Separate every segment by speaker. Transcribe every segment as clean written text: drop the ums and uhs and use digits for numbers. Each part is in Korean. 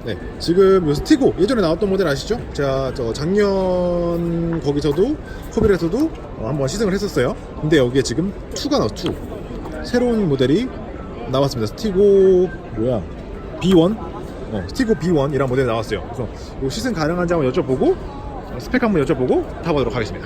Speaker 1: 네, 지금 요 스티고 예전에 나왔던 모델 아시죠? 제가 저 작년 거기서도 코빌에서도 한번 시승을 했었어요. 근데 여기에 지금 2가 나왔어. 2 새로운 모델이 나왔습니다. 스티고 뭐야 B1? 스티고 B1이란 모델이 나왔어요. 그래서 요 시승 가능한지 한번 여쭤보고 스펙 한번 여쭤보고 타보도록 하겠습니다.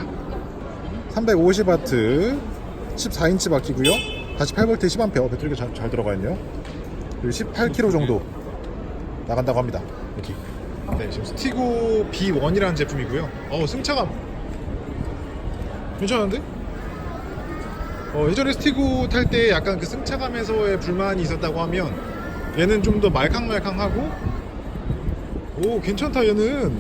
Speaker 1: 350W 14인치 바퀴고요. 48V 10A 배터리가 잘 들어가 있네요. 그리고 18km 정도 나간다고 합니다. 이렇게. 네, 지금 스티고 B1이라는 제품이고요. 승차감 괜찮은데? 예전에 스티고 탈 때 약간 그 승차감에서의 불만이 있었다고 하면 얘는 좀 더 말캉말캉하고 오 괜찮다. 얘는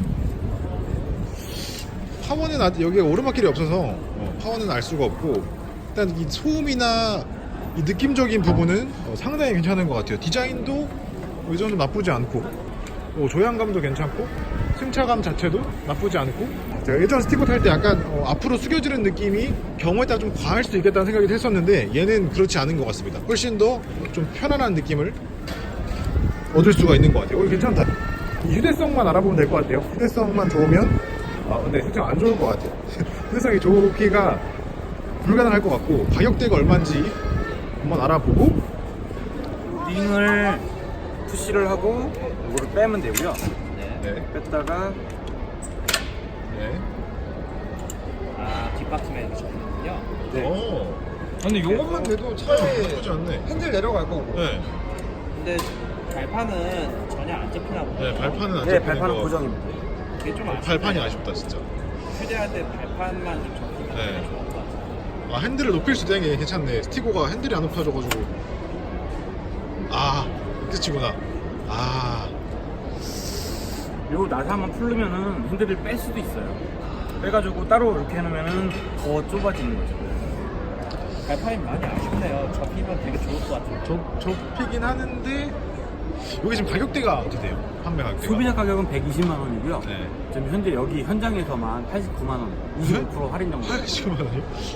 Speaker 1: 파워는 여기에 오르막길이 없어서 파워는 알 수가 없고 일단 이 소음이나 이 느낌적인 부분은 상당히 괜찮은 것 같아요. 디자인도 이 정도 나쁘지 않고 조향감도 괜찮고 승차감 자체도 나쁘지 않고 제가 예전 스티커 탈 때 약간 앞으로 숙여지는 느낌이 경우에 따라 좀 과할 수도 있겠다는 생각이 했었는데 얘는 그렇지 않은 것 같습니다. 훨씬 더 좀 편안한 느낌을 얻을 수가 있는 것 같아요. 괜찮다. 휴대성만 알아보면 될 것 같아요. 휴대성만 좋으면 근데 휴대성 안 좋을 것 같아요. 휴대성이 좋기가 불가능할 것 같고 가격대가 얼마인지 한번 알아보고
Speaker 2: 링을 푸시를 하고 이거를 빼면 되고요.
Speaker 1: 네.
Speaker 2: 뺐다가
Speaker 1: 네.
Speaker 3: 뒷바퀴에 넣으셨군요.
Speaker 1: 네.
Speaker 2: 근데
Speaker 1: 요것만 돼도 차에 나쁘지 않네.
Speaker 2: 핸들 내려갈 거고.
Speaker 1: 네.
Speaker 3: 근데 발판은 전혀 안 접히나 보네요.
Speaker 1: 네, 발판은 안
Speaker 2: 네,
Speaker 1: 잡히는
Speaker 2: 발판은
Speaker 1: 거.
Speaker 2: 고정입니다.
Speaker 3: 그게 좀 아쉽네요.
Speaker 1: 발판이 아쉽다 진짜.
Speaker 3: 휴대할 때 발판만 좀 접히면
Speaker 1: 네.
Speaker 3: 좋을 것 같아요.
Speaker 1: 핸들을 높일 수 있다는 게 괜찮네. 스티고가 핸들이 안 높아져가지고. 끝이구나.
Speaker 2: 그리고 나사 한번 풀르면은 핸들을 뺄 수도 있어요. 빼가지고 따로 이렇게 해놓으면은 더 좁아지는 거죠.
Speaker 3: 발판이 많이 아쉽네요. 접히면 되게 좋을 것 같아요.
Speaker 1: 좁히긴 하는데 여기 지금 가격대가 어떻게 돼요? 판매 가격대가?
Speaker 2: 소비자 가격은 120만 원이고요.
Speaker 1: 네.
Speaker 2: 지금 현재 여기 현장에서만 89만 원, 25% 할인 정도.
Speaker 1: 80만 원이요?